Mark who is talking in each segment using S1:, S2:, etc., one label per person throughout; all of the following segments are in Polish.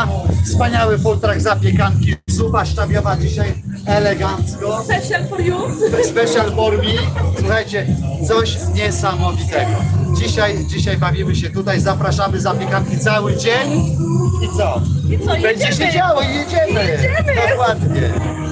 S1: Państwa, wspaniały full truck zapiekanki, zupa sztabiowa dzisiaj elegancko.
S2: Special for you.
S1: Special for me. Słuchajcie, coś niesamowitego. Dzisiaj bawimy się tutaj, zapraszamy zapiekanki cały dzień. I co?
S2: I co,
S1: Będzie
S2: jedziemy?
S1: się działo i jedziemy.
S2: Jedziemy.
S1: Dokładnie.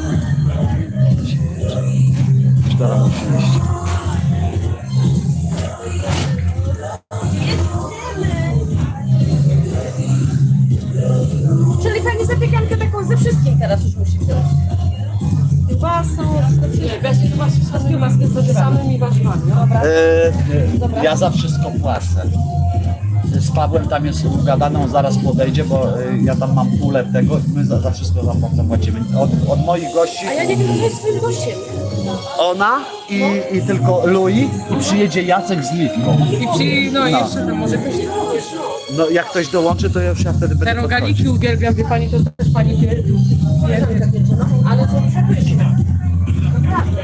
S2: Czyli pani zapiekankę taką ze wszystkim teraz już musi wziąć. Kiełbasą, z kiełbaską z samymi warzywami. Dobra.
S1: Ja za wszystko płacę. Z Pawłem tam jest ugadane, on zaraz podejdzie, bo ja tam mam pulę tego i my za wszystko zapłacimy. Od moich gości
S2: A ja nie wiem, co jest swoim gościem.
S1: ona i tylko Louis i przyjedzie Jacek z Liwką.
S3: No i jeszcze tam może ktoś nie powiesz.
S1: No jak ktoś dołączy, to już ja wtedy
S3: Te
S1: będę
S3: rogaliki uwielbiam, wie pani, to też pani wie.
S2: Ale to przepyszne. Naprawdę.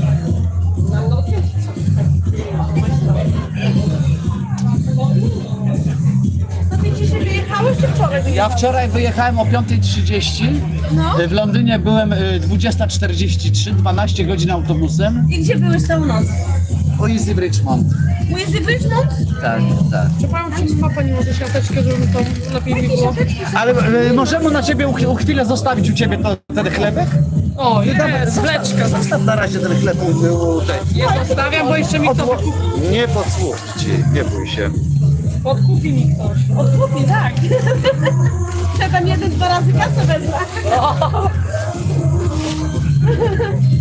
S2: To ty dzisiaj wyjechałeś czy wczoraj
S1: Ja
S2: wyjechałeś?
S1: wczoraj wyjechałem o 5:30,
S2: No.
S1: w Londynie byłem 20:43, 12 godzin autobusem.
S2: I gdzie byłeś całą noc?
S1: O Easy w Richmond.
S2: Mój z Richmond?
S1: Tak, tak.
S3: Przepraszam, czy ma pani może siateczkę, żeby to lepiej mi było?
S1: Ale możemy na ciebie chwilę zostawić u ciebie ten chlebek?
S3: O, jest, wleczka.
S1: Zostaw na razie ten chleb u tej.
S3: Nie zostawiam, bo jeszcze mi to
S1: Nie podsłuch ci, nie bój się.
S3: podkupi mi ktoś.
S2: Odkupi, tak. Ja tam 1-2 razy kasę wezmę.